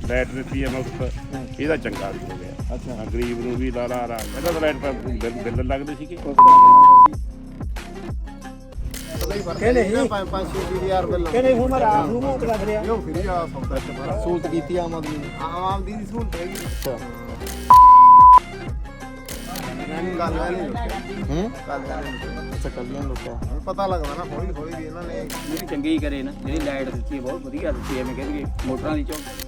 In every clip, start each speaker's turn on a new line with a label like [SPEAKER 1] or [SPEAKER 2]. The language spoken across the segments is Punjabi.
[SPEAKER 1] ਲਾਈਟ ਦਿੱਤੀ ਹੈ ਮੁਫਤ, ਇਹਦਾ ਚੰਗਾ ਵੀ ਹੋ ਗਿਆ।
[SPEAKER 2] ਅੱਛਾ,
[SPEAKER 1] ਗਰੀਬ ਨੂੰ ਵੀ ਲਾ ਪਹਿਲਾਂ ਤਾਂ ਲਾਈਟ ਬਿੱਲ ਲੱਗਦੇ ਸੀਗੇ।
[SPEAKER 2] ਸਹੂਲਤ ਕੀਤੀ ਆਮ ਆਦਮੀ ਨੇ, ਆਮ ਦੀ ਸਹੂਲਤ ਹੈਗੀ। ਅੱਛਾ, ਕੱਲੀਆਂ ਲੁੱਟਿਆ ਪਤਾ ਲੱਗਦਾ ਨਾ ਹੌਲੀ ਹੌਲੀ ਵੀ ਇਹਨਾਂ ਨੇ
[SPEAKER 3] ਜਿਹੜੀ ਚੰਗੀ ਕਰੇ ਨਾ, ਜਿਹੜੀ ਲਾਈਟ ਦਿੱਤੀ ਹੈ ਬਹੁਤ ਵਧੀਆ ਦਿੱਤੀ ਹੈ। ਐਵੇਂ ਕਹਿੰਦੇ ਮੋਟਰਾਂ ਦੀ ਚੌਕ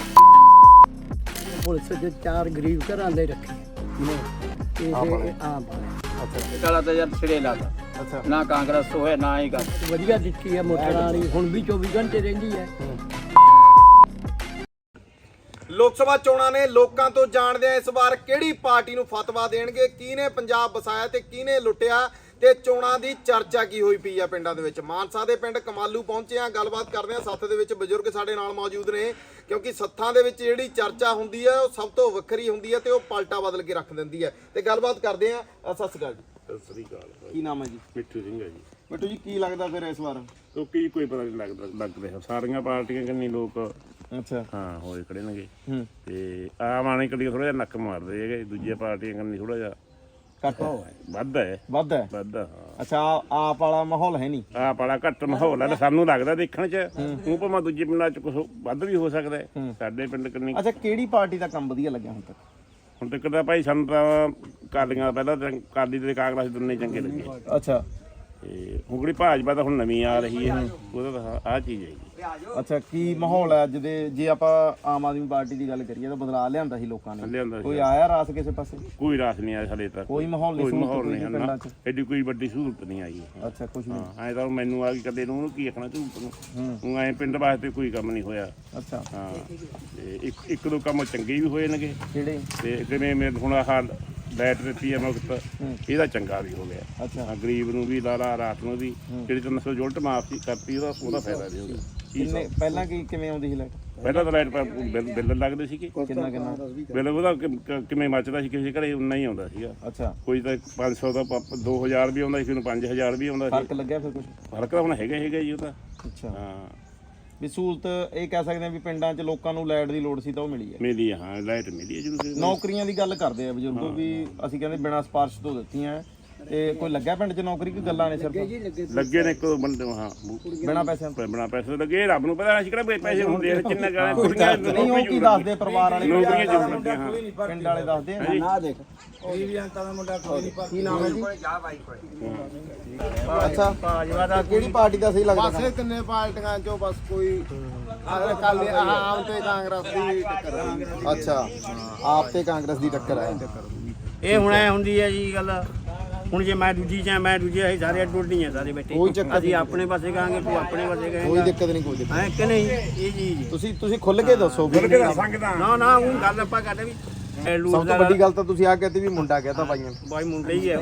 [SPEAKER 4] ਪੁਲਿਸ ਦੇ 4 ਗਰੀਬ ਘਰਾਂ ਦੇ ਰੱਖੇ ਇਹ ਆਮ
[SPEAKER 2] ਅੱਛਾ
[SPEAKER 3] ਕਾਲਾ ਤਾਂ ਯਾਰ ਸਿਰੇ ਲਾਤਾ।
[SPEAKER 2] ਅੱਛਾ,
[SPEAKER 3] ਨਾ ਕਾਂਗਰਸ ਹੋਇਆ ਨਾ ਹੀ ਗੱਲ
[SPEAKER 4] ਵਧੀਆ ਦਿੱਤੀ ਹੈ ਮੋਟਰਾਂ ਵਾਲੀ, ਹੁਣ ਵੀ 24 ਘੰਟੇ ਰਹਿੰਦੀ ਹੈ।
[SPEAKER 2] ਲੋਕ ਸਭਾ ਚੋਣਾਂ ਨੇ ਲੋਕਾਂ ਤੋਂ ਜਾਣਦੇ ਆ ਇਸ ਵਾਰ ਕਿਹੜੀ ਪਾਰਟੀ ਨੂੰ ਫਤਵਾ ਦੇਣਗੇ, ਕਿਹਨੇ ਪੰਜਾਬ ਵਸਾਇਆ ਤੇ ਕਿਹਨੇ ਲੁੱਟਿਆ, ਤੇ ਚੋਣਾਂ ਦੀ ਚਰਚਾ ਕੀ ਹੋਈ ਪਈ ਆ ਪਿੰਡਾਂ ਦੇ ਵਿੱਚ। ਮਾਨਸਾ ਦੇ ਪਿੰਡ ਕਮਾਲੂ ਪਹੁੰਚੇ ਆ, ਗੱਲਬਾਤ ਕਰਦੇ ਆ। ਸੱਥ ਦੇ ਵਿੱਚ ਬਜ਼ੁਰਗ ਸਾਡੇ ਨਾਲ ਮੌਜੂਦ ਨੇ, ਕਿਉਂਕਿ ਸੱਥਾਂ ਦੇ ਵਿੱਚ ਜਿਹੜੀ ਚਰਚਾ ਹੁੰਦੀ ਹੈ ਉਹ ਸਭ ਤੋਂ ਵੱਖਰੀ ਹੁੰਦੀ ਹੈ ਤੇ ਉਹ ਪਲਟਾ ਬਦਲ ਕੇ ਰੱਖ ਦਿੰਦੀ ਹੈ। ਤੇ ਗੱਲਬਾਤ ਕਰਦੇ ਆ। ਸਤਿ ਸ਼੍ਰੀ ਅਕਾਲ ਜੀ।
[SPEAKER 1] ਸਤਿ ਸ੍ਰੀ ਅਕਾਲ।
[SPEAKER 2] ਕੀ ਨਾਮ ਹੈ ਜੀ?
[SPEAKER 1] ਮਿੱਠੂ ਸਿੰਘ ਹੈ ਜੀ।
[SPEAKER 2] ਮਿੱਠੂ ਜੀ, ਕੀ ਲੱਗਦਾ ਫਿਰ ਇਸ ਵਾਰ?
[SPEAKER 1] ਕਿਉਂਕਿ ਕੋਈ ਪਤਾ ਨਹੀਂ ਲੱਗ ਰਿਹਾ, ਸਾਰੀਆਂ ਪਾਰਟੀਆਂ ਕਿੰਨੀ ਲੋਕ
[SPEAKER 2] ਅੱਛਾ,
[SPEAKER 1] ਹਾਂ ਹੋਏ ਖੜੇ ਨੇਗੇ
[SPEAKER 2] ਹੂੰ,
[SPEAKER 1] ਤੇ ਆਮ ਆਣੇ ਕੜੀ ਥੋੜਾ ਜਿਹਾ ਨੱਕ ਮਾਰਦੇ ਹੈਗੇ, ਦੂਜੀਆਂ ਪਾਰਟੀਆਂ ਕੰਨੀ ਥੋੜਾ ਜਿਹਾ
[SPEAKER 2] ਘੱਟ
[SPEAKER 1] ਵੱਧ ਹੈ।
[SPEAKER 2] ਵੱਧ ਹੈ?
[SPEAKER 1] ਵੱਧ ਹਾਂ।
[SPEAKER 2] ਅੱਛਾ, ਆਪ ਵਾਲਾ ਮਾਹੌਲ ਹੈ ਨਹੀਂ?
[SPEAKER 1] ਆਹ ਬੜਾ ਘੱਟ ਮਾਹੌਲ ਹੈ ਸਾਨੂੰ ਲੱਗਦਾ ਦੇਖਣ 'ਚ। ਉਹ ਭਾਵੇਂ ਦੂਜੇ ਪਿੰਡਾਂ 'ਚ ਕੁਛ ਵੱਧ ਵੀ ਹੋ ਸਕਦਾ ਹੈ, ਸਾਡੇ ਪਿੰਡ ਕੰਨੀ।
[SPEAKER 2] ਅੱਛਾ, ਕਿਹੜੀ ਪਾਰਟੀ ਦਾ ਕੰਮ ਵਧੀਆ ਲੱਗਿਆ ਹੁਣ ਤੱਕ?
[SPEAKER 1] ਹੁਣ ਤੱਕ ਤਾਂ ਭਾਈ ਸਾਨੂੰ ਤਾਂ ਕਾਲੀਆਂ ਪਹਿਲਾਂ ਤਾਂ ਕਾਲੀ ਤੇ ਕਾਂਗਰਸ ਦੋਨੇ ਚੰਗੇ ਲੱਗੇ।
[SPEAKER 2] ਅੱਛਾ,
[SPEAKER 1] ਤੇ ਹੁਣ ਜਿਹੜੀ ਭਾਜਪਾ ਤਾਂ ਹੁਣ ਨਵੀਂ ਆ ਰਹੀ ਹੈ, ਉਹਦਾ ਤਾਂ ਆਹ ਚੀਜ਼ ਹੈ ਜੀ।
[SPEAKER 2] ਅੱਛਾ, ਕੀ ਮਾਹੌਲ ਹੈ ਅੱਜ ਦੇ? ਜੇ ਆਪਾਂ ਆਮ ਆਦਮੀ ਪਾਰਟੀ ਦੀ ਗੱਲ ਕਰੀਏ ਤਾਂ ਬਦਲਾਅ ਲਿਆਂਦਾ ਸੀ ਲੋਕਾਂ ਨੇ,
[SPEAKER 1] ਲਿਆਂਦਾ ਸੀ।
[SPEAKER 2] ਕੋਈ ਆਇਆ ਰਾਸ ਕਿਸੇ ਪਾਸੇ?
[SPEAKER 1] ਕੋਈ ਰਾਸ ਨਹੀਂ ਆਇਆ ਸਾਡੇ ਤੱਕ,
[SPEAKER 2] ਕੋਈ ਮਾਹੌਲ ਨਹੀਂ,
[SPEAKER 1] ਕੋਈ ਮਾਹੌਲ ਨਹੀਂ
[SPEAKER 2] ਪਿੰਡਾਂ
[SPEAKER 1] ਨਾ,
[SPEAKER 2] 'ਚ?
[SPEAKER 1] ਐਡੀ ਕੋਈ ਵੱਡੀ ਸਹੂਲਤ ਨਹੀਂ ਆਈ।
[SPEAKER 2] ਅੱਛਾ, ਕੁਝ ਨਹੀਂ।
[SPEAKER 1] ਹਾਂ, ਐਂ ਤਾਂ ਮੈਨੂੰ ਆ ਗਈ ਕਦੇ ਨੂੰ ਕੀ ਆਖਣਾ ਸਹੂਲਤ ਨੂੰ। ਹੁਣ ਐਂ ਪਿੰਡ ਵਾਸਤੇ ਕੋਈ ਕੰਮ ਨਹੀਂ ਹੋਇਆ।
[SPEAKER 2] ਅੱਛਾ,
[SPEAKER 1] ਹਾਂ, ਤੇ ਇੱਕ ਦੋ ਕੰਮ ਚੰਗੇ ਵੀ ਹੋਏ ਨੇਗੇ,
[SPEAKER 2] ਕਿਹੜੇ?
[SPEAKER 1] ਤੇ ਜਿਵੇਂ ਮੈਂ ਹੁਣ ਆਹ ਲਾਈਟ ਦਿੱਤੀ ਹੈ ਮੁਫਤ, ਇਹਦਾ ਚੰਗਾ ਵੀ ਹੋ ਗਿਆ।
[SPEAKER 2] ਅੱਛਾ,
[SPEAKER 1] ਗਰੀਬ ਨੂੰ ਵੀ ਲਾ ਰਾਤ ਨੂੰ ਵੀ ਜਿਹੜੀ 300 ਯੂਨਿਟ ਮਾਫ ਕਰਤੀ, ਉਹਦਾ ਫਾਇਦਾ ਵੀ ਹੋ ਗਿਆ।
[SPEAKER 2] ਕਿੰਨੇ ਪਹਿਲਾਂ ਕਿਵੇਂ ਆਉਂਦੀ ਸੀ ਲਾਈਟ?
[SPEAKER 1] ਪਹਿਲਾਂ ਤਾਂ ਲਾਈਟ ਬਿੱਲ ਲੱਗਦੇ ਸੀਗੇ,
[SPEAKER 2] ਕਿੰਨਾ
[SPEAKER 1] ਬਿੱਲ ਉਹਦਾ ਕਿਵੇਂ ਮੱਚਦਾ ਸੀ, ਕਿਸੇ ਘਰੇ ਉਨਾ ਹੀ ਆਉਂਦਾ ਸੀਗਾ।
[SPEAKER 2] ਅੱਛਾ,
[SPEAKER 1] ਕੋਈ ਤਾਂ 500 ਦਾ 2000 ਵੀ ਆਉਂਦਾ ਸੀ, ਕਿਸੇ ਨੂੰ 5000 ਵੀ ਆਉਂਦਾ ਸੀ।
[SPEAKER 2] ਫਰਕ ਲੱਗਿਆ ਫਿਰ ਕੁਝ?
[SPEAKER 1] ਫਰਕ ਤਾਂ ਹੁਣ ਹੈਗਾ ਜੀ ਉਹ ਤਾਂ।
[SPEAKER 2] ਅੱਛਾ,
[SPEAKER 1] ਹਾਂ,
[SPEAKER 2] ਵੀ ਸਹੂਲਤ ਇਹ ਕਹਿ ਸਕਦੇ ਆ ਵੀ ਪਿੰਡਾਂ 'ਚ ਲੋਕਾਂ ਨੂੰ ਲਾਈਟ ਦੀ ਲੋੜ ਸੀ ਤਾਂ ਉਹ ਮਿਲੀ ਹੈ।
[SPEAKER 1] ਮਿਲੀ ਹੈ, ਹਾਂ ਲਾਈਟ ਮਿਲੀ ਹੈ ਜ਼ਰੂਰ।
[SPEAKER 2] ਨੌਕਰੀਆਂ ਦੀ ਗੱਲ ਕਰਦੇ ਆ ਬਜ਼ੁਰਗੋ, ਵੀ ਅਸੀਂ ਕਹਿੰਦੇ ਬਿਨਾਂ ਸਿਫਾਰਿਸ਼ ਤੋਂ ਦਿੱਤੀਆਂ, ਤੇ ਕੋਈ ਲੱਗਿਆ ਪਿੰਡ 'ਚ ਨੌਕਰੀ? ਕੋਈ ਗੱਲਾਂ ਨੇ ਸਿਰਫ
[SPEAKER 1] ਲੱਗੇ ਨੇ ਇੱਕ ਦੋ ਬੰਦੇ, ਹਾਂ
[SPEAKER 2] ਬਿਨਾਂ ਪੈਸਿਆਂ ਤੋਂ?
[SPEAKER 1] ਬਣਾ ਪੈਸੇ ਲੱਗੇ, ਰੱਬ ਨੂੰ ਪਤਾ ਅਸੀਂ ਕਿਹੜਾ ਪੈਸੇ ਹੁੰਦੇ ਨੇ ਕਿੰਨਾ ਗਾਣਾ ਕੁੜੀਆਂ
[SPEAKER 2] ਨਹੀਂ, ਉਹ ਕੀ ਦੱਸਦੇ ਪਰਿਵਾਰ ਵਾਲੇ?
[SPEAKER 1] ਨੌਕਰੀਆਂ ਜ਼ਰੂਰ ਲੱਗੀਆਂ। ਹਾਂ,
[SPEAKER 2] ਪਿੰਡ ਵਾਲੇ ਦੱਸਦੇ ਆ ਨਾ। ਦੇਖ ਕੀ ਨਾਮ ਹੈ ਜੀ? ਅੱਛਾ, ਭਾਜਪਾ ਦਾ ਕਿਹੜੀ ਪਾਰਟੀ ਦਾ ਸਹੀ ਲੱਗਦਾ?
[SPEAKER 5] ਪਾਸੇ ਤਿੰਨੇ ਪਾਰਟੀਆਂ ਚੋਂ ਬਸ ਕੋਈ ਅਕਾਲੀ ਆਮ ਤੇ ਕਾਂਗਰਸ ਦੀ ਟੱਕਰ ਹੈ।
[SPEAKER 2] ਅੱਛਾ, ਆਪ ਤੇ ਕਾਂਗਰਸ ਦੀ ਟੱਕਰ ਹੈ।
[SPEAKER 3] ਇਹ ਹੁਣ ਐ ਹੁੰਦੀ ਹੈ ਜੀ ਗੱਲ। ਹੁਣ ਜੇ ਮੈਂ ਦੂਜੀ ਚ ਮੈਂ ਦੂਜੇ ਅਸੀਂ ਸਾਰੇ ਅੱਡ ਨਹੀਂ ਹੈ, ਸਾਰੇ ਬੈਠੇ
[SPEAKER 2] ਕੋਈ ਚੱਕਰ
[SPEAKER 3] ਅਸੀਂ ਆਪਣੇ ਪਾਸੇ ਕਹਾਂਗੇ, ਤੂੰ ਆਪਣੇ ਪਾਸੇ
[SPEAKER 2] ਕੋਈ
[SPEAKER 3] ਕਹੇਂਗਾ।
[SPEAKER 2] ਦਿੱਕਤ ਨਹੀਂ, ਕੋਈ ਦਿੱਕਤ
[SPEAKER 3] ਐ ਕਿ ਨਹੀਂ ਇਹ ਚੀਜ਼?
[SPEAKER 2] ਤੁਸੀਂ ਖੁੱਲ ਕੇ ਦੱਸੋ।
[SPEAKER 3] ਨਾ ਨਾ ਉਹ ਗੱਲ ਆਪਾਂ ਕਰਦੇ ਵੀ
[SPEAKER 2] ਸਭ ਤੋਂ ਵੱਡੀ ਗੱਲ ਤਾਂ ਤੁਸੀਂ ਆ ਕਹਤੇ ਵੀ ਮੁੰਡਾ ਕਹਤਾ ਭਾਈਆਂ ਨੂੰ।
[SPEAKER 3] ਬਾਈ ਮੁੰਡੇ ਹੀ ਹੈ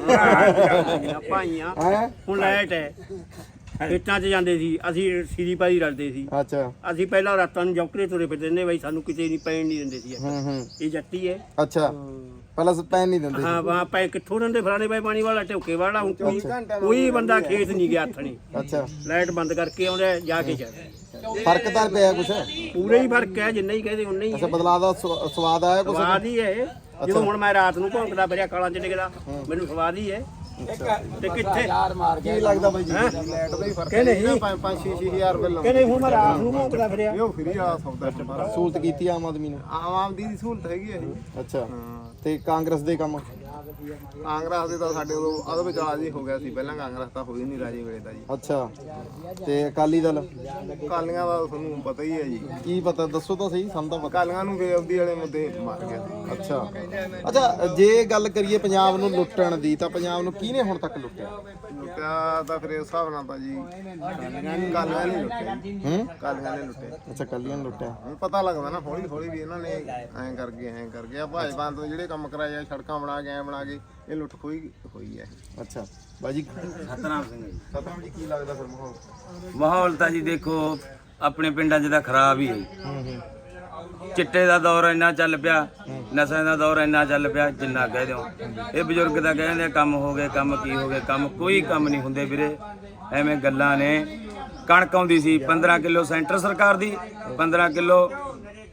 [SPEAKER 3] ਭਾਈਆਂ। ਹੁਣ ਲਾਈਟ ਹੈ, ਖੇਤਾਂ 'ਚ ਜਾਂਦੇ ਸੀ ਅਸੀਂ, ਸੀਰੀ ਪਾਈ ਰਲਦੇ ਸੀ।
[SPEAKER 2] ਅੱਛਾ,
[SPEAKER 3] ਅਸੀਂ ਪਹਿਲਾਂ ਰਾਤਾਂ ਨੂੰ ਜੌਕਰੇ ਤੁਰੇ ਫਿਰਦੇ ਨੇ, ਬਾਈ ਸਾਨੂੰ ਕਿਤੇ ਨਹੀਂ ਪੈਣ ਨਹੀਂ ਦਿੰਦੇ ਸੀ। ਇਹ ਜੱਟੀ ਹੈ।
[SPEAKER 2] ਅੱਛਾ, ਪਹਿਲਾਂ ਪੈਨ ਨਹੀਂ ਦਿੰਦੇ?
[SPEAKER 3] ਹਾਂ, ਵਾਂ ਪੈ ਕਿੱਥੋਂ ਦਿੰਦੇ ਫਲਾਣੇ ਬਾਈ ਪਾਣੀ ਵਾਲਾ ਢੋਕੇ ਵਾਲਾ। ਹੁਣ ਕੋਈ ਬੰਦਾ ਖੇਤ ਨਹੀਂ ਗਿਆ ਹੱਥਣੀ।
[SPEAKER 2] ਅੱਛਾ,
[SPEAKER 3] ਲਾਈਟ ਬੰਦ ਕਰਕੇ ਆਉਂਦਾ ਜਾ ਕੇ ਚੱਲਦਾ।
[SPEAKER 2] ਫਰਕ ਤਾਂ ਪਿਆ ਕੁਛ?
[SPEAKER 3] ਪੂਰੇ ਹੀ ਫਰਕ ਹੈ, ਜਿੰਨਾ ਹੀ ਕਹਦੇ ਉਨਾ ਹੀ
[SPEAKER 2] ਅੱਛਾ, ਬਦਲਾਅ ਦਾ ਸਵਾਦ ਆਇਆ ਕੁਛ?
[SPEAKER 3] ਸਵਾਦ ਹੀ ਹੈ। ਜਦੋਂ ਹੁਣ ਮੈਂ ਰਾਤ ਨੂੰ ਭੌਂਕਦਾ ਫਿਰਿਆ ਕਾਲਾਂ 'ਚ ਡਿੱਗਦਾ, ਮੈਨੂੰ ਸਵਾਦ ਹੀ ਹੈ। ਤੇ ਕਿੱਥੇ
[SPEAKER 2] ਕੀ ਲੱਗਦਾ ਬਾਈ ਜੀ?
[SPEAKER 5] ਲਾਈਟ ਦਾ ਹੀ ਫਰਕ ਹੈ। 5-6 ਰੁਪਏ ਲਾਉਂਦੇ
[SPEAKER 3] ਕਹਿੰਦੇ ਹੁਣ ਮੈਂ ਰਾਤ ਨੂੰ ਭੌਂਕਦਾ ਫਿਰਿਆ।
[SPEAKER 5] ਉਹ ਫਰੀ ਵਾਲਾ ਸੌਦਾ ਹੈ।
[SPEAKER 2] ਸਹੂਲਤ ਕੀਤੀ ਆਮ ਆਦਮੀ ਨੇ?
[SPEAKER 5] ਆਮ ਦੀ ਸਹੂਲਤ ਹੈਗੀ ਹੈ ਇਹ।
[SPEAKER 2] ਅੱਛਾ, ਤੇ ਕਾਂਗਰਸ ਦੇ ਕੰਮ?
[SPEAKER 5] ਕਾਂਗਰਸ ਦੇ ਤਾਂ ਸਾਡੇ ਉਦੋਂ ਉਹਦੇ ਵਿੱਚ ਰਾਜ ਹੀ ਹੋ ਗਿਆ ਸੀ, ਪਹਿਲਾਂ ਕਾਂਗਰਸ ਤਾਂ ਹੋਈ ਨਹੀਂ ਰਾਜੇ ਵੇਲੇ ਦਾ ਜੀ।
[SPEAKER 2] ਅੱਛਾ, ਤੇ ਅਕਾਲੀ ਦਲ?
[SPEAKER 5] ਕਾਲੀਆਂ ਦਾ ਤੁਹਾਨੂੰ ਪਤਾ ਹੀ ਹੈ ਜੀ।
[SPEAKER 2] ਕੀ ਪਤਾ, ਦੱਸੋ ਤਾਂ ਸਹੀ, ਸਾਨੂੰ ਤਾਂ ਪਤਾ।
[SPEAKER 5] ਕਾਲੀਆਂ ਨੂੰ ਬੇਅਬਦੀ ਵਾਲੇ ਮੁੱਦੇ ਮਾਰ ਗਿਆ ਸੀ।
[SPEAKER 2] ਅੱਛਾ, ਜੇ ਗੱਲ ਕਰੀਏ ਪੰਜਾਬ ਨੂੰ ਲੁੱਟਣ ਦੀ, ਤਾਂ ਪੰਜਾਬ ਨੂੰ ਕਿਹਨੇ ਹੁਣ ਤੱਕ ਲੁੱਟਿਆ?
[SPEAKER 5] ਲੁੱਟਿਆ ਤਾਂ ਫਿਰ ਇਸ ਹਿਸਾਬ ਨਾਲ ਤਾਂ ਜੀ ਕਾਲੀਆਂ ਨੇ ਲੁੱਟਿਆ ਜੀ। ਕਾਲੀਆਂ ਨੇ ਲੁੱਟਿਆ।
[SPEAKER 2] ਅੱਛਾ, ਕੱਲੀਆਂ ਨੇ ਲੁੱਟਿਆ।
[SPEAKER 5] ਹੁਣ ਪਤਾ ਲੱਗਦਾ ਨਾ ਹੌਲੀ ਹੌਲੀ ਵੀ ਇਹਨਾਂ ਨੇ ਐਂ ਕਰ ਗਿਆ ਭਾਜਪਾ ਤੋਂ ਜਿਹੜੇ ਕੰਮ ਕਰਾਏ ਆ, ਸੜਕਾਂ ਬਣਾ ਕੇ ਐਂ ਬਣਾ ਕੇ ਇਹ ਲੁੱਟ ਖੋਈ ਹੋਈ ਹੈ।
[SPEAKER 2] ਅੱਛਾ ਬਾਜੀ,
[SPEAKER 3] ਸਤਨਾਮ ਸਿੰਘ ਜੀ।
[SPEAKER 2] ਸਤਨਾਮ ਜੀ, ਕੀ ਲੱਗਦਾ ਫਿਰ ਮਾਹੌਲ?
[SPEAKER 3] ਮਾਹੌਲ ਤਾਂ ਜੀ ਦੇਖੋ ਆਪਣੇ ਪਿੰਡਾਂ 'ਚ ਤਾਂ ਖਰਾਬ ਹੀ ਹੈ। ਚਿੱਟੇ ਦਾ ਦੌਰ ਇੰਨਾ ਚੱਲ ਪਿਆ, ਨਸ਼ਿਆਂ ਦਾ ਦੌਰ ਇੰਨਾ ਚੱਲ ਪਿਆ, ਜਿੰਨਾ ਕਹਿ ਦਿਓ। ਇਹ ਬਜ਼ੁਰਗ ਤਾਂ ਕਹਿੰਦੇ ਕੰਮ ਹੋ ਗਏ, ਕੰਮ ਕੀ ਹੋ ਗਏ, ਕੰਮ ਕੋਈ ਕੰਮ ਨਹੀਂ ਹੁੰਦੇ ਵੀਰੇ, ਐਵੇਂ ਗੱਲਾਂ ਨੇ। ਕਣਕ ਆਉਂਦੀ ਸੀ 15 ਕਿਲੋ ਸੈਂਟਰ ਸਰਕਾਰ ਦੀ, 15 ਕਿਲੋ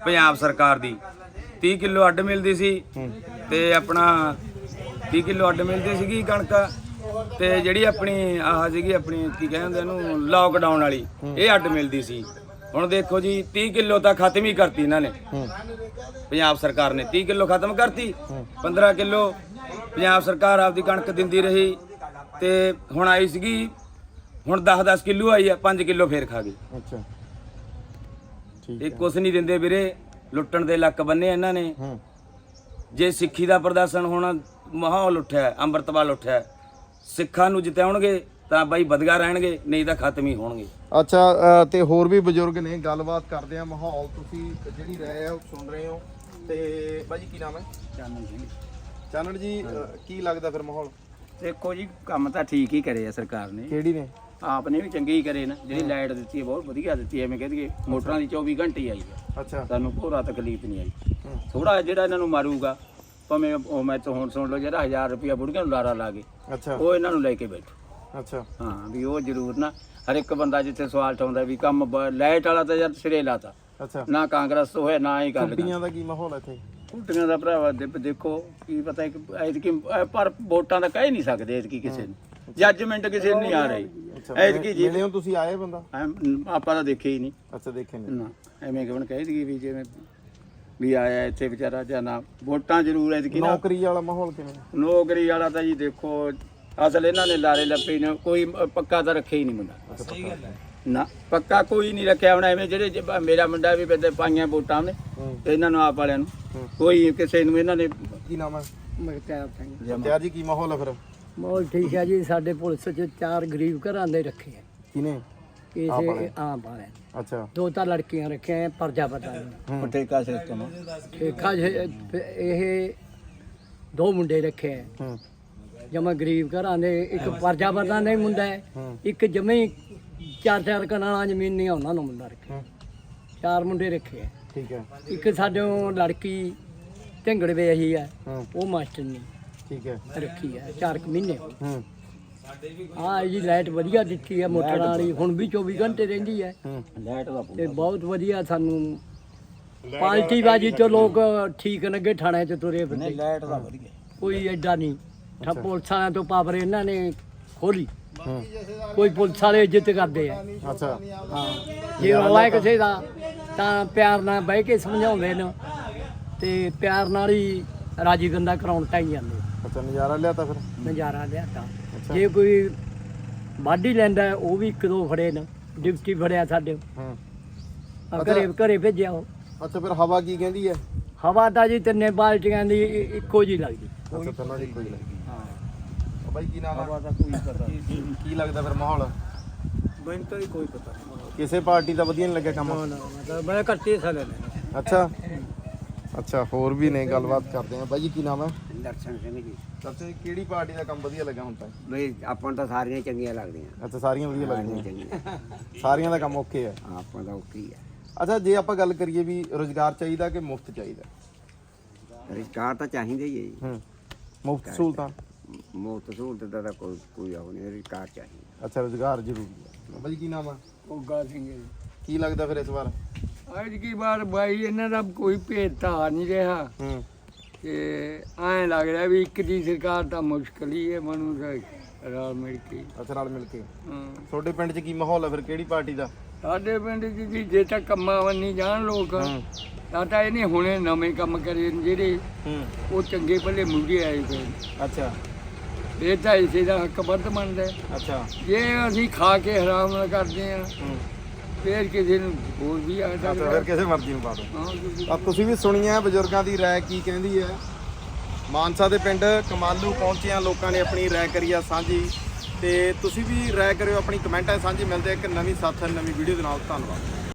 [SPEAKER 3] ਪੰਜਾਬ ਸਰਕਾਰ ਦੀ 30 ਕਿਲੋ ਅੱਡ ਮਿਲਦੀ ਸੀ ਤੇ ਆਪਣਾ 30 ਕਿਲੋ ਅੱਡ ਮਿਲਦੀ ਸੀਗੀ ਕਣਕ ਤੇ ਜਿਹੜੀ ਆਪਣੀ ਆਹ ਸੀਗੀ ਆਪਣੀ ਕੀ ਕਹਿੰਦੇ ਇਹਨੂੰ ਲਾਕਡਾਊਨ ਵਾਲੀ ਇਹ ਅੱਡ ਮਿਲਦੀ ਸੀ। ਹੁਣ ਦੇਖੋ ਜੀ 30 ਕਿਲੋ ਤਾਂ ਖਤਮ ਹੀ ਕਰਤੀ ਇਹਨਾਂ ਨੇ ਪੰਜਾਬ ਸਰਕਾਰ ਨੇ 30 ਕਿਲੋ ਖਤਮ ਕਰਤੀ 15 ਕਿਲੋ ਪੰਜਾਬ ਸਰਕਾਰ ਆਪਦੀ ਕਣਕ ਦਿੰਦੀ ਰਹੀ ਤੇ ਹੁਣ ਆਈ ਸੀਗੀ ਹੁਣ 10-10 ਕਿਲੋ ਆਈ ਆ 5 ਕਿਲੋ ਫੇਰ ਖਾ ਗਈ।
[SPEAKER 2] ਅੱਛਾ ਠੀਕ
[SPEAKER 3] ਇਹ ਕੁਛ ਨਹੀਂ ਦਿੰਦੇ ਵੀਰੇ ਲੁੱਟਣ ਦੇ ਲੱਕ ਬੰਨੇ ਇਹਨਾਂ ਨੇ। ਜੇ ਸਿੱਖੀ ਦਾ ਪ੍ਰਦਰਸ਼ਨ ਹੋਣਾ ਮਾਹੌਲ ਉੱਠਿਆ ਅੰਮ੍ਰਿਤਪਾਲ ਉੱਠਿਆ ਸਿੱਖਾਂ ਨੂੰ ਜਿਤਾਉਣਗੇ ਤਾਂ ਬਾਈ ਵਧੀਆ ਰਹਿਣਗੇ ਨਹੀਂ ਤਾਂ ਖਤਮ ਹੀ ਹੋਣਗੇ।
[SPEAKER 2] ਅੱਛਾ ਤੇ ਹੋਰ ਵੀ ਬਜ਼ੁਰਗ ਨੇ ਗੱਲਬਾਤ ਕਰਦੇ ਆ ਮਾਹੌਲ ਤੁਸੀਂ ਜਿਹੜੀ ਰਹੇ ਆ ਉਹ ਸੁਣ ਰਹੇ ਹੋ ਤੇ ਬਾਜੀ ਕੀ ਨਾਮ ਹੈ? ਚਾਨਣ ਜੀ ਕੀ ਲੱਗਦਾ ਫਿਰ ਮਾਹੌਲ?
[SPEAKER 6] ਦੇਖੋ ਜੀ ਕੰਮ ਤਾਂ ਠੀਕ ਹੀ ਕਰੇ ਆ ਸਰਕਾਰ ਨੇ,
[SPEAKER 2] ਕਿਹੜੀ ਨੇ?
[SPEAKER 6] ਆਪ ਨੇ ਵੀ ਚੰਗੇ ਹੀ ਕਰੇ ਨਾ। ਜਿਹੜੀ ਲਾਈਟ ਦਿੱਤੀ ਹੈ ਬਹੁਤ ਵਧੀਆ ਦਿੱਤੀ ਹੈ, ਐਵੇਂ ਕਹਿ ਦਈਏ ਮੋਟਰਾਂ ਦੀ 24 ਘੰਟੇ ਹੀ ਆਈ ਹੈ,
[SPEAKER 2] ਅੱਛਾ
[SPEAKER 6] ਸਾਨੂੰ ਪੂਰਾ ਤਕਲੀਫ ਨਹੀਂ ਆਈ। ਥੋੜਾ ਜਿਹੜਾ ਇਹਨਾਂ ਨੂੰ ਮਾਰੂਗਾ ਭਾਵੇਂ ਉਹ ਮੈਂ ਤਾਂ ਹੁਣ ਸੁਣ ਲਓ ਜਿਹੜਾ 1000 ਰੁਪਇਆ ਬੁੜੀਆਂ ਨੂੰ ਲਾਰਾ ਲਾ ਕੇ
[SPEAKER 2] ਅੱਛਾ
[SPEAKER 6] ਉਹ ਇਹਨਾਂ ਨੂੰ ਲੈ ਕੇ ਬੈਠੋ।
[SPEAKER 2] ਅੱਛਾ
[SPEAKER 6] ਹਾਂ ਵੀ ਉਹ ਜ਼ਰੂਰ ਨਾ ਹਰ ਇੱਕ ਬੰਦਾ ਜਿੱਥੇ ਸਵਾਲ ਉਠਾਉਂਦਾ ਵੀ ਕੰਮ ਲਾਈਟ ਵਾਲਾ ਤਾਂ ਯਾਰ ਸਿਰੇ ਲਾਤਾ
[SPEAKER 2] ਅੱਛਾ
[SPEAKER 6] ਨਾ ਕਾਂਗਰਸ ਤੋਂ ਹੋਇਆ ਨਾ ਹੀ ਗੱਲ
[SPEAKER 2] ਕੁੱਟੀਆਂ ਦਾ ਕੀ ਮਾਹੌਲ ਹੈ ਇੱਥੇ?
[SPEAKER 6] ਕੁੱਟੀਆਂ ਦਾ ਭਰਾਵਾ ਦੇਖੋ ਕੀ ਪਤਾ ਐਤਕੀ ਪਰ ਵੋਟਾਂ ਦਾ ਕਹਿ ਨਹੀਂ ਸਕਦੇ ਐਤਕੀ ਕਿਸੇ ਨੂੰ ਜੱਜਮੈਂਟ ਕਿਸੇ ਨੂੰ ਨਹੀਂ ਆ ਰਹੀ ਐਤਕੀ ਜੀ
[SPEAKER 2] ਮਿਲੇ ਹੋ ਤੁਸੀਂ? ਆਏ ਬੰਦਾ?
[SPEAKER 6] ਆਪਾਂ ਤਾਂ ਦੇਖੇ ਹੀ ਨਹੀਂ
[SPEAKER 2] ਅੱਛਾ ਦੇਖੇ ਨੇ
[SPEAKER 6] ਨਾ ਐਵੇਂ ਕਿਉਂ ਕਹਿ ਦਈਏ ਵੀ ਜਿਵੇਂ ਵੀ ਆਇਆ ਇੱਥੇ ਵਿਚਾਰਾ ਜਾਂ ਨਾ ਵੋਟਾਂ ਜ਼ਰੂਰ ਐਤਕੀ ਨਾ।
[SPEAKER 2] ਨੌਕਰੀ ਵਾਲਾ ਮਾਹੌਲ ਕਿਵੇਂ?
[SPEAKER 6] ਨੌਕਰੀ ਵਾਲਾ ਤਾਂ ਜੀ ਦੇਖੋ ਅਸਲ ਇਹਨਾਂ ਨੇ ਲਾਰੇ ਲੱਪੇ ਨੇ ਕੋਈ ਪੱਕਾ ਤਾਂ ਰੱਖਿਆ ਹੀ ਨਹੀਂ ਮੁੰਡਾ ਨਾ ਪੱਕਾ ਕੋਈ ਨਹੀਂ ਰੱਖਿਆ। ਹੁਣ ਐਵੇਂ ਜਿਹੜੇ ਮੇਰਾ ਮੁੰਡਾ ਵੀ ਪੈਦੇ ਪਾਈਆਂ ਵੋਟਾਂ ਨੇ ਤੇ ਇਹਨਾਂ ਨੂੰ ਆਪ ਵਾਲਿਆਂ ਨੂੰ ਕੋਈ ਕਿਸੇ ਨੂੰ ਇਹਨਾਂ ਨੇ
[SPEAKER 2] ਕੀ ਨਾਮ ਹੈ?
[SPEAKER 4] ਮਗਤਿਆਰ ਸਿੰਘ।
[SPEAKER 2] ਕਿਆ ਜੀ ਕੀ ਮਾਹੌਲ ਹੈ ਫਿਰ?
[SPEAKER 4] ਮਾਹੌਲ ਠੀਕ ਹੈ ਜੀ। ਸਾਡੇ ਪੁਲਿਸ 'ਚ 4 ਗਰੀਬ ਘਰਾਂ ਦੇ ਰੱਖੇ ਆ
[SPEAKER 2] ਕਿਨੇ?
[SPEAKER 4] ਕਿਸੇ ਆਮ ਵਾਲੇ।
[SPEAKER 2] ਅੱਛਾ
[SPEAKER 4] 2 ਤਾਂ ਲੜਕੀਆਂ ਰੱਖੀਆਂ ਪਰਜਾ ਪਤਾ ਨਹੀਂ
[SPEAKER 6] ਠੇਕਾ ਸਿਸਟਮ
[SPEAKER 4] ਠੇਕਾ ਇਹ 2 ਮੁੰਡੇ ਰੱਖੇ ਆ ਜਮਾ ਗਰੀਬ ਘਰਾਂ ਦੇ। ਇੱਕ ਪਰਜਾ ਪਤਾ ਨਹੀਂ ਮੁੰਡਾ ਹੈ, ਇੱਕ ਜਮੇ 4-4 ਕਨਾਲਾਂ ਜ਼ਮੀਨ ਨਹੀਂ ਉਹਨਾਂ ਨੂੰ ਮੁੰਡਾ ਰੱਖਿਆ। 4 ਮੁੰਡੇ ਰੱਖੇ ਆ।
[SPEAKER 2] ਠੀਕ ਹੈ
[SPEAKER 4] ਇੱਕ ਸਾਡੇ ਲੜਕੀ ਢਿੰਗੜ ਵੇਹੀ ਆ ਉਹ ਮਾਸਟਰ ਨੇ
[SPEAKER 2] ਠੀਕ ਹੈ
[SPEAKER 4] ਰੱਖੀ ਆ 4 ਮਹੀਨੇ। ਹਾਂ ਜੀ ਲਾਈਟ ਵਧੀਆ ਦਿੱਤੀ ਹੈ ਮੋਟਰਾਂ ਵਾਲੀ, ਹੁਣ ਵੀ 24 ਘੰਟੇ ਰਹਿੰਦੀ ਹੈ
[SPEAKER 6] ਲਾਈਟ ਦਾ
[SPEAKER 4] ਤੇ ਬਹੁਤ ਵਧੀਆ। ਸਾਨੂੰ ਪਾਲਟੀ ਬਾਜੀ ਤੋਂ ਲੋਕ ਠੀਕ ਲੱਗੇ, ਥਾਣੇ 'ਚ ਤੁਰੇ ਫਿਰਦੇ।
[SPEAKER 6] ਲਾਈਟ ਦਾ ਵਧੀਆ
[SPEAKER 4] ਕੋਈ ਐਡਾ ਨਹੀਂ ਪੁਲਿਸ ਵਾਲਿਆਂ ਤੋਂ ਪਾਵਰ ਇਹਨਾਂ ਨੇ ਖੋਲੀ। ਕੋਈ ਪੁਲਿਸ ਵਾਲੇ ਇੱਜ਼ਤ ਕਰਦੇ ਆ।
[SPEAKER 2] ਅੱਛਾ
[SPEAKER 4] ਹਾਂ ਜੇ ਰੌਲਾ ਕਿਸੇ ਦਾ ਤਾਂ ਪਿਆਰ ਨਾਲ ਬਹਿ ਕੇ ਸਮਝਾਉਂਦੇ ਨੇ ਤੇ ਪਿਆਰ ਨਾਲ ਹੀ ਰਾਜੀ ਗੰਦਾ ਕਰਾਉਣ ਟਾਈ ਜਾਂਦੇ।
[SPEAKER 2] ਅੱਛਾ ਨਜ਼ਾਰਾ ਲਿਆ ਤਾਂ ਫਿਰ?
[SPEAKER 4] ਨਜ਼ਾਰਾ ਲਿਆਤਾ। ਜੇ ਕੋਈ ਵਾਢੀ ਲੈਂਦਾ ਉਹ ਵੀ 1-2 ਫੜੇ ਨੇ, ਡਿਪਟੀ ਫੜਿਆ ਸਾਡੇ ਘਰੇ ਭੇਜਿਆ ਉਹ।
[SPEAKER 2] ਅੱਛਾ ਫਿਰ ਹਵਾ ਕੀ ਕਹਿੰਦੀ ਹੈ?
[SPEAKER 4] ਹਵਾ ਤਾਂ ਜੀ 3 ਬਾਲਟੀਆਂ ਦੀ ਇੱਕੋ ਜੀ ਲੱਗਦੀ।
[SPEAKER 2] ਅੱਛਾ ਤਿੰਨਾਂ ਦੀ ਕੋਈ ਲੱਗੀ। ਬਾਈ ਕੀ ਨਾਮ ਹੈ?
[SPEAKER 6] ਦਾ ਕੋਈ ਪਤਾ
[SPEAKER 2] ਕੀ ਲੱਗਦਾ ਫਿਰ ਮਾਹੌਲ?
[SPEAKER 6] ਮੈਨੂੰ ਤਾਂ ਕੋਈ ਪਤਾ ਨਹੀਂ।
[SPEAKER 2] ਕਿਸੇ ਪਾਰਟੀ ਦਾ ਵਧੀਆ ਨਹੀਂ ਲੱਗਿਆ ਕੰਮ?
[SPEAKER 4] ਮਤਲਬ ਮੈਂ ਘੱਟੇ ਸਾਲੇ ਨੇ।
[SPEAKER 2] ਅੱਛਾ ਅੱਛਾ ਹੋਰ ਵੀ ਨੇ ਗੱਲਬਾਤ ਕਰਦੇ ਆ। ਬਾਈ ਜੀ ਕੀ ਨਾਮ ਹੈ?
[SPEAKER 7] ਦਰਸ਼ਨ ਸਿੰਘ ਜੀ।
[SPEAKER 2] ਅੱਛਾ ਕਿਹੜੀ ਪਾਰਟੀ ਦਾ ਕੰਮ ਵਧੀਆ ਲੱਗਾ ਹੁਣ ਤੱਕ?
[SPEAKER 7] ਬਈ ਆਪਾਂ ਨੂੰ ਤਾਂ ਸਾਰੀਆਂ ਚੰਗੀਆਂ ਲੱਗਦੀਆਂ।
[SPEAKER 2] ਅੱਛਾ ਸਾਰੀਆਂ ਵਧੀਆ ਲੱਗਦੀਆਂ,
[SPEAKER 7] ਚੰਗੀਆਂ
[SPEAKER 2] ਸਾਰੀਆਂ ਦਾ ਕੰਮ ਓਕੇ ਹੈ।
[SPEAKER 7] ਆਪਾਂ ਦਾ ਓਕੇ ਹੀ ਆ।
[SPEAKER 2] ਅੱਛਾ ਜੇ ਆਪਾਂ ਗੱਲ ਕਰੀਏ ਵੀ ਰੋਜ਼ਗਾਰ ਚਾਹੀਦਾ ਕਿ ਮੁਫਤ ਚਾਹੀਦਾ?
[SPEAKER 7] ਰੁਜ਼ਗਾਰ ਤਾਂ ਚਾਹੀਦਾ ਹੀ ਹੈ ਜੀ।
[SPEAKER 2] ਮੁਫਤ ਸਹੂਲਤਾਂ?
[SPEAKER 7] ਮੁਫਤ ਸਹੂਲਤ ਦਾ ਤਾਂ ਕੋਈ ਉਹ ਨਹੀਂ, ਰੁਜ਼ਗਾਰ ਚਾਹੀਦਾ।
[SPEAKER 2] ਅੱਛਾ ਰੋਜ਼ਗਾਰ ਜ਼ਰੂਰੀ ਹੈ। ਬਾਈ ਕੀ ਨਾਮ ਆ?
[SPEAKER 6] ਉਗਾ ਸਿੰਘ
[SPEAKER 2] ਕੀ ਲੱਗਦਾ ਫਿਰ ਇਸ ਵਾਰ?
[SPEAKER 8] ਅੱਜ ਕੀ ਵਾਰ ਬਾਈ ਇਹਨਾਂ ਦਾ ਕੋਈ ਭੇਦਭਾਵ ਨਹੀਂ ਰਿਹਾ ਤੇ ਐਂ ਲੱਗ ਰਿਹਾ ਵੀ ਇੱਕ ਦੀ ਸਰਕਾਰ ਤਾਂ ਮੁਸ਼ਕਲ ਹੀ ਹੈ ਮਨੂੰ ਰਲ ਮਿਲ ਕੇ।
[SPEAKER 2] ਅੱਛਾ ਨਾਲ ਮਿਲ ਕੇ।
[SPEAKER 8] ਹਾਂ
[SPEAKER 2] ਤੁਹਾਡੇ ਪਿੰਡ 'ਚ ਕੀ ਮਾਹੌਲ ਹੈ ਫਿਰ, ਕਿਹੜੀ ਪਾਰਟੀ ਦਾ?
[SPEAKER 8] ਸਾਡੇ ਪਿੰਡ 'ਚ ਜੀ ਜੇ ਤਾਂ ਕੰਮਾਂ ਵੰਨੀ ਜਾਣ ਲੋਕ ਤਾਂ ਇਹਨੇ ਹੁਣੇ ਨਵੇਂ ਕੰਮ ਕਰੇ ਨੇ ਜਿਹੜੇ ਉਹ ਚੰਗੇ ਭਲੇ ਮੁੰਡੇ ਆਏ ਪਏ ਨੇ।
[SPEAKER 2] ਅੱਛਾ
[SPEAKER 8] ਇਹ ਤਾਂ ਇਸੇ ਦਾ ਹੱਕ ਵੱਧ ਮੰਨਦਾ ਹੈ।
[SPEAKER 2] ਅੱਛਾ
[SPEAKER 8] ਜੇ ਅਸੀਂ ਖਾ ਕੇ ਹਰਾਮ ਨਾਲ ਕਰਦੇ ਆ ਫੇਰ ਕਿਸੇ ਨੂੰ ਹੋਰ ਵੀ ਆ
[SPEAKER 2] ਅੱਛਾ
[SPEAKER 8] ਸਕਦਾ।
[SPEAKER 2] ਫਿਰ ਕਿਸੇ ਮਰਜ਼ੀ ਨੂੰ ਪਾ ਦਿਓ।
[SPEAKER 8] ਹਾਂ
[SPEAKER 2] ਤਾਂ ਤੁਸੀਂ ਵੀ ਸੁਣੀ ਹੈ ਬਜ਼ੁਰਗਾਂ ਦੀ ਰਾਏ ਕੀ ਕਹਿੰਦੀ ਹੈ। ਮਾਨਸਾ ਦੇ ਪਿੰਡ ਕਮਾਲੂ ਪਹੁੰਚਿਆ, ਲੋਕਾਂ ਨੇ ਆਪਣੀ ਰਾਏ ਕਰੀ ਆ ਸਾਂਝੀ ਤੇ ਤੁਸੀਂ ਵੀ ਰਾਏ ਕਰਿਓ ਆਪਣੀ ਕਮੈਂਟਾਂ ਸਾਂਝੀ। ਮਿਲਦੇ ਇੱਕ ਨਵੀਂ ਸਾਥ ਨਵੀਂ ਵੀਡੀਓ ਦੇ ਨਾਲ। ਧੰਨਵਾਦ।